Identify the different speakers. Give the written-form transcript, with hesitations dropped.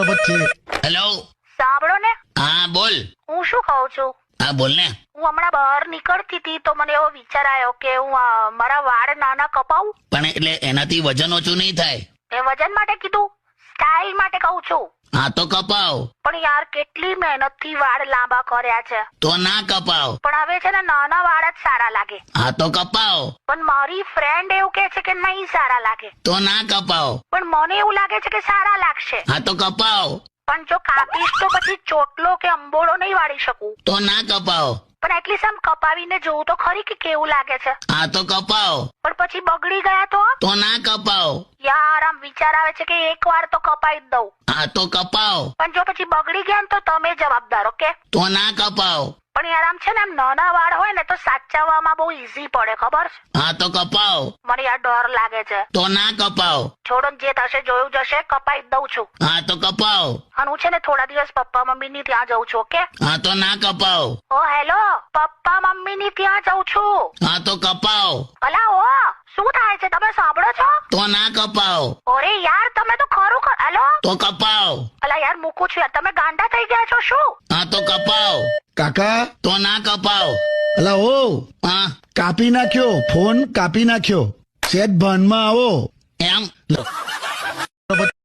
Speaker 1: Hello,
Speaker 2: સાંભળો ને,
Speaker 1: હા બોલ.
Speaker 2: હું શું કહું છું,
Speaker 1: હા બોલ ને.
Speaker 2: હું હમણાં બહાર નીકળતી હતી તો મને એવો વિચાર આવ્યો કે હું મારા વાળ નાના કપાવું.
Speaker 1: પણ એટલે એનાથી વજન ઓછું નહીં થાય.
Speaker 2: એ વજન માટે કીધું, સ્ટાઇલ માટે કહું છું.
Speaker 1: હા તો કપાવ.
Speaker 2: પણ યાર કેટલી મહેનત થી વાળ લાંબા કર્યા છે,
Speaker 1: તો ના કપાવ.
Speaker 2: પણ હવે છે ને નાના વાળ જ સારા લાગે.
Speaker 1: હા તો કપાવ.
Speaker 2: પણ મારી ફ્રેન્ડ એવું કે છે કે નહીં સારા લાગે.
Speaker 1: તો ના કપાવ.
Speaker 2: પણ મને એવું લાગે છે કે સારા લાગશે.
Speaker 1: હા તો કપાવ.
Speaker 2: પણ જો કાપીશ તો પછી ચોટલો કે અંબોળો નહીં વાળી શકું.
Speaker 1: તો ના કપાવ.
Speaker 2: પણ એટલીસ્ટ આમ કપાવીને જોઉં તો ખરી કે કેવું લાગે છે.
Speaker 1: હા તો કપાવ.
Speaker 2: પણ પછી બગડી ગયા તો
Speaker 1: ના કપાવ.
Speaker 2: યાર આમ વિચાર આવે છે કે એક વાર તો કપાઈ જ દઉં.
Speaker 1: હા તો કપાવ.
Speaker 2: પણ જો પછી બગડી ગયા ને તો તમે જવાબદાર. ઓકે.
Speaker 1: તો ના કપાવ.
Speaker 2: પણ યાર આમ છે ને આમ નાના વાળ હોય ને તો સાચવવામાં બહુ ઈઝી પડે, ખબર છે?
Speaker 1: હા તો કપાવ.
Speaker 2: મને યાર ડર લાગે છે.
Speaker 1: તો ના કપાવ.
Speaker 2: છોડો ને, જે થશે જોયું જશે. કપાઈ જ દઉં છું.
Speaker 1: હા તો કપાવ.
Speaker 2: અને હું છે ને થોડા દિવસ પપ્પા મમ્મી ની ત્યાં જઉં છું. ઓકે.
Speaker 1: હા તો ના કપાવ.
Speaker 2: ઓ હેલો, પપ્પા મમ્મી ની ત્યાં જઉં છું.
Speaker 1: હા તો કપાવ.
Speaker 2: અલા ઓ, શું થાય છે, તમે સાંભળો છો?
Speaker 1: તો ના કપાવ.
Speaker 2: અરે યાર તમે તો ખરું હેલો.
Speaker 1: તો કપાવ.
Speaker 2: અલા યાર મૂકું છું યાર, તમે ગાંડા થઈ ગયા છો શું?
Speaker 1: હા તો કપાવ.
Speaker 3: કાકા,
Speaker 1: તો ના કપાવ.
Speaker 3: અલા ઓ,
Speaker 1: હા
Speaker 3: કાપી નાખ્યો ફોન, કાપી નાખ્યો. સેટ ભાનમાં આવો.
Speaker 1: એમ.